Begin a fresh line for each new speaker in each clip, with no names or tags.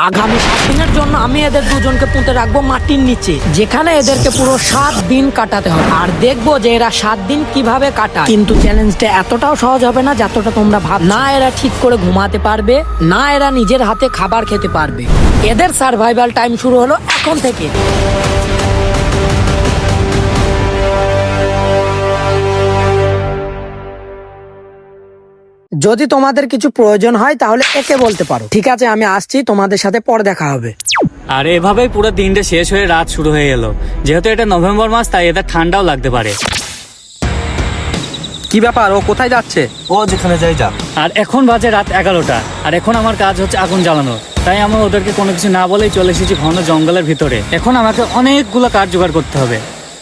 আগামী 7 দিনের জন্য আমি এদের দুজনকে পুঁতে রাখবো মাটির নিচে, যেখানে এদেরকে পুরো 7 দিন কাটাতে হবে। আর দেখবো যে এরা 7 দিন কিভাবে কাটায়। কিন্তু চ্যালেঞ্জটা এতটাও সহজ হবে না যতটা তোমরা ভাব। না এরা ঠিক করে ঘুমাতে পারবে, না এরা নিজের হাতে খাবার খেতে পারবে। এদের সার্ভাইভাল টাইম শুরু হলো এখন থেকে। যদি তোমাদের কিছু প্রয়োজন হয় তাহলে একে বলতে পারো। ঠিক আছে, আমি আসছি, তোমাদের সাথে পরে দেখা হবে।
আর এভাবেই পুরো দিনটা শেষ হয়ে রাত শুরু হয়ে গেল। যেহেতু এটা নভেম্বর মাস, তাই এদের ঠান্ডাও লাগতে পারে।
কি ব্যাপার, ও কোথায় যাচ্ছে?
ও যেখানে যাই যা।
আর এখন বাজে রাত 11টা, আর এখন আমার কাজ হচ্ছে আগুন জ্বালানো। তাই আমি ওদেরকে কোনো কিছু না বলেই চলে এসেছি ঘন জঙ্গলের ভিতরে। এখন আমাকে অনেকগুলো কাঠ জোগাড় করতে হবে।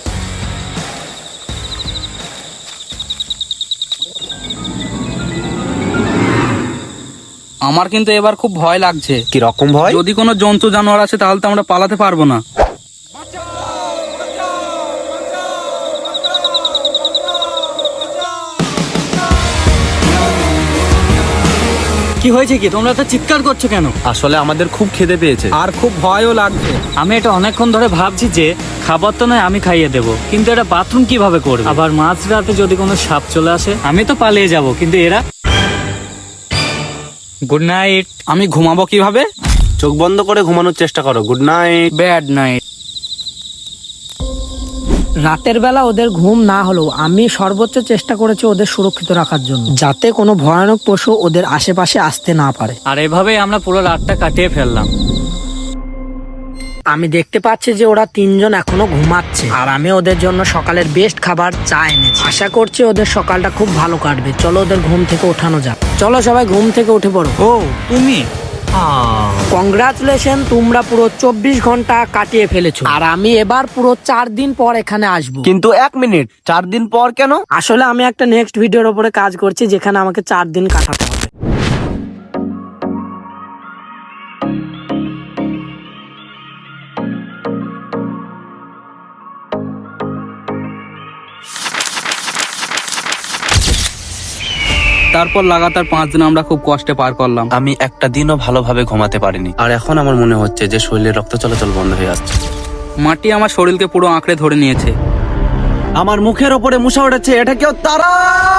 আমার কিন্তু এবার খুব ভয় লাগছে।
কি রকম ভয়?
যদি কোনো জন্তু জানোয়ার আসে তাহলে তো আমরা পালাতে পারবো না।
কি হয়েছে কি, তোমরা তো চিৎকার করছো কেন?
আসলে আমাদের খুব খিদে পেয়েছে।
আর খুব ভয়ও লাগছে।
আমি এটা অনেকক্ষণ ধরে ভাবছি যে খাবার তো নয় আমি খাইয়ে দেবো, কিন্তু এটা বাথরুম কিভাবে করবে? আবার মাঝরাতে যদি কোনো সাপ চলে আসে, আমি তো পালিয়ে যাব, কিন্তু এরা। Good night.
আমি ঘুমাবো কিভাবে?
চোখ বন্ধ করে ঘুমানোর চেষ্টা করো। Good night.
Bad night.
রাতের বেলা ওদের ঘুম না হলেও আমি সর্বোচ্চ চেষ্টা করেছি ওদের সুরক্ষিত রাখার জন্য, যাতে কোনো ভয়ানক পশু ওদের আশেপাশে আসতে না পারে।
আর এভাবেই আমরা পুরো রাতটা কাটিয়ে ফেললাম।
আমি দেখতে পাচ্ছি যে ওরা 3 জন এখনো ঘুমাচ্ছে, আর আমি ওদের জন্য সকালের বেস্ট খাবার চা এনেছি। আশা করছি ওদের সকালটা খুব ভালো কাটবে। চলো ওদের ঘুম থেকে ওঠানো যাক। চলো সবাই ঘুম থেকে উঠে পড়ো।
ও তুমি?
কংগ্রাচুলেশন, তোমরা পুরো 24 ঘন্টা কাটিয়ে ফেলেছো। আর আমি এবার পুরো 4 দিন পর এখানে আসবো।
কিন্তু 1 মিনিট, 4 দিন পর কেন?
আসলে আমি একটা নেক্সট ভিডিওর উপরে কাজ করছি, যেখানে আমাকে 4 দিন কাটাতে হবে।
তারপর লাগাতার 5 দিন আমরা খুব কষ্টে পার করলাম।
আমি একটা দিনও ভালোভাবে ঘুমাতে পারিনি। আর এখন আমার মনে হচ্ছে যে শরীরে রক্ত চলাচল বন্ধ হয়ে আসছে।
মাটি আমার শরীরকে পুরো আঁকড়ে ধরে নিয়েছে।
আমার মুখের ওপরে মুসা উঠেছে। এটা কেউ তারা?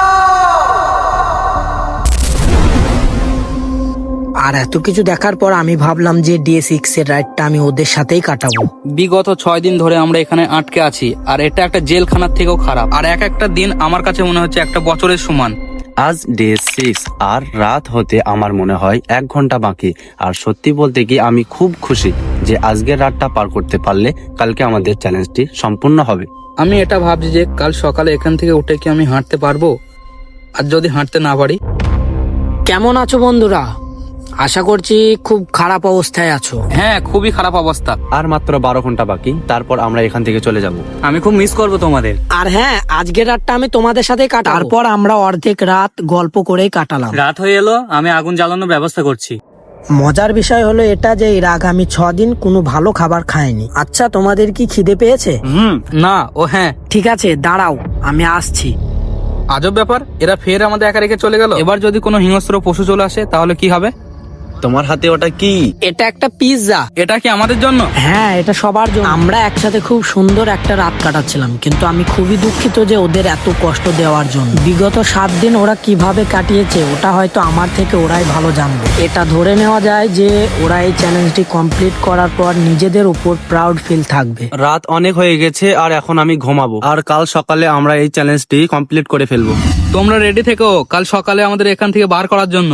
আর এত কিছু দেখার পর আমি ভাবলাম যে ডে 6 এর রাইডটা আমি ওদের সাথেই কাটাবো।
বিগত 6 দিন ধরে আমরা এখানে আটকে আছি, আর এটা একটা জেলখানার থেকেও খারাপ। আর এক একটা দিন আমার কাছে মনে হচ্ছে একটা বছরের সমান।
আজ ডে 6 আর রাত হতে আমার মনে হয় 1 ঘন্টা বাকি। আর সত্যি বলতে কি আমি খুব খুশি যে আজকের রাতটা পার করতে পারলে কালকে আমাদের চ্যালেঞ্জটি সম্পূর্ণ হবে।
আমি এটা ভাবছি যে কাল সকালে এখান থেকে উঠে কি আমি হাঁটতে পারবো? আর যদি হাঁটতে না পারি?
কেমন আছো বন্ধুরা? আশা করছি খুব খারাপ অবস্থায় আছো।
হ্যাঁ, খুবই খারাপ অবস্থা।
আর মাত্র 12 ঘন্টা বাকি, তারপর আমরা এখান থেকে চলে যাব।
আমি খুব মিস করবো তোমাদের।
আর হ্যাঁ, আজকের রাতটা আমি তোমাদের সাথেই কাটাবো। তারপর আমরা অর্ধেক রাত গল্প করেই কাটালাম।
রাত হয়ে এলো, আমি আগুন জ্বালানোর ব্যবস্থা করছি।
মজার বিষয় হলো এটা যে এর আগামী 6 দিন কোনো ভালো খাবার খায়নি। আচ্ছা, তোমাদের কি খিদে পেয়েছে?
না, ও হ্যাঁ।
ঠিক আছে, দাঁড়াও, আমি আসছি।
আজব ব্যাপার, এরা ফের আমাদের একা রেখে চলে গেল। এবার যদি কোনো হিংস্র পশু চলে আসে তাহলে কি হবে?
তোমার হাতে ওটা কি?
এটা একটা পিৎজা।
এটা কি আমাদের জন্য?
হ্যাঁ, এটা সবার জন্য। আমরা একসাথে খুব সুন্দর একটা রাত কাটাচ্ছিলাম, কিন্তু আমি খুবই দুঃখিত যে ওদের এত কষ্ট দেওয়ার জন্য। বিগত 7 দিন ওরা কিভাবে কাটিয়েছে ওটা হয়তো আমার থেকে ওরাই ভালো জানবে। এটা ধরে নেওয়া যায় যে ওরা এই চ্যালেঞ্জটি কমপ্লিট করার পর নিজেদের উপর প্রাউড ফিল থাকবে।
রাত অনেক হয়ে গেছে আর এখন আমি ঘুমাবো। আর কাল সকালে আমরা এই চ্যালেঞ্জটি কমপ্লিট করে ফেলবো।
তোমরা রেডি থেকো কাল সকালে আমাদের এখান থেকে বার করার জন্য।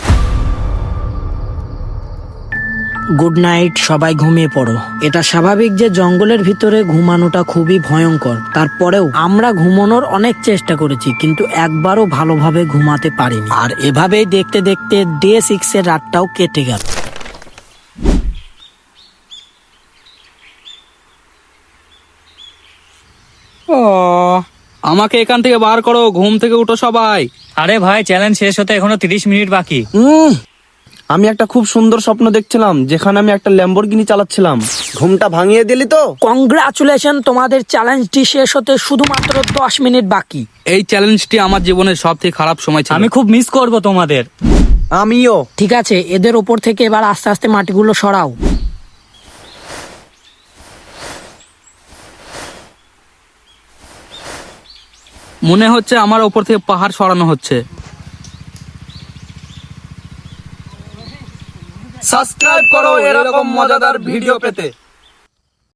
গুড নাইট, সবাই ঘুমিয়ে পড়ো। এটা স্বাভাবিক যে জঙ্গলের ভিতরে ঘুমানোটা খুবই ভয়ঙ্কর। তারপরেও আমরা ঘুমানোর অনেক চেষ্টা করেছি, কিন্তু একবারও ভালোভাবে ঘুমাতে পারিনি। আর এভাবেই দেখতে দেখতে ডে 6 এর রাতটাও কেটে গেল।
আমাকে এখান থেকে বার করো, ঘুম থেকে উঠো সবাই।
আরে ভাই, চ্যালেঞ্জ শেষ হতে এখনো 30 মিনিট বাকি।
আমি একটা খুব সুন্দর স্বপ্ন দেখছিলাম, যেখানে আমি একটা ল্যাম্বরগিনি চালাচ্ছিলাম। ঘুমটা ভাঙিয়ে দিলি তো।
কংগ্রাচুলেশন, তোমাদের চ্যালেঞ্জটি শেষ হতে শুধুমাত্র 10 মিনিট বাকি।
এই চ্যালেঞ্জটি আমার জীবনের সবথেকে খারাপ সময় ছিল।
আমি খুব মিস করবো তোমাদের।
আমিও।
ঠিক আছে, এদের ওপর থেকে এবার আস্তে আস্তে মাটিগুলো সরাও।
মনে হচ্ছে আমার ওপর থেকে পাহাড় সরানো হচ্ছে।
সাবস্ক্রাইব করো এরকম মজাদার ভিডিও পেতে।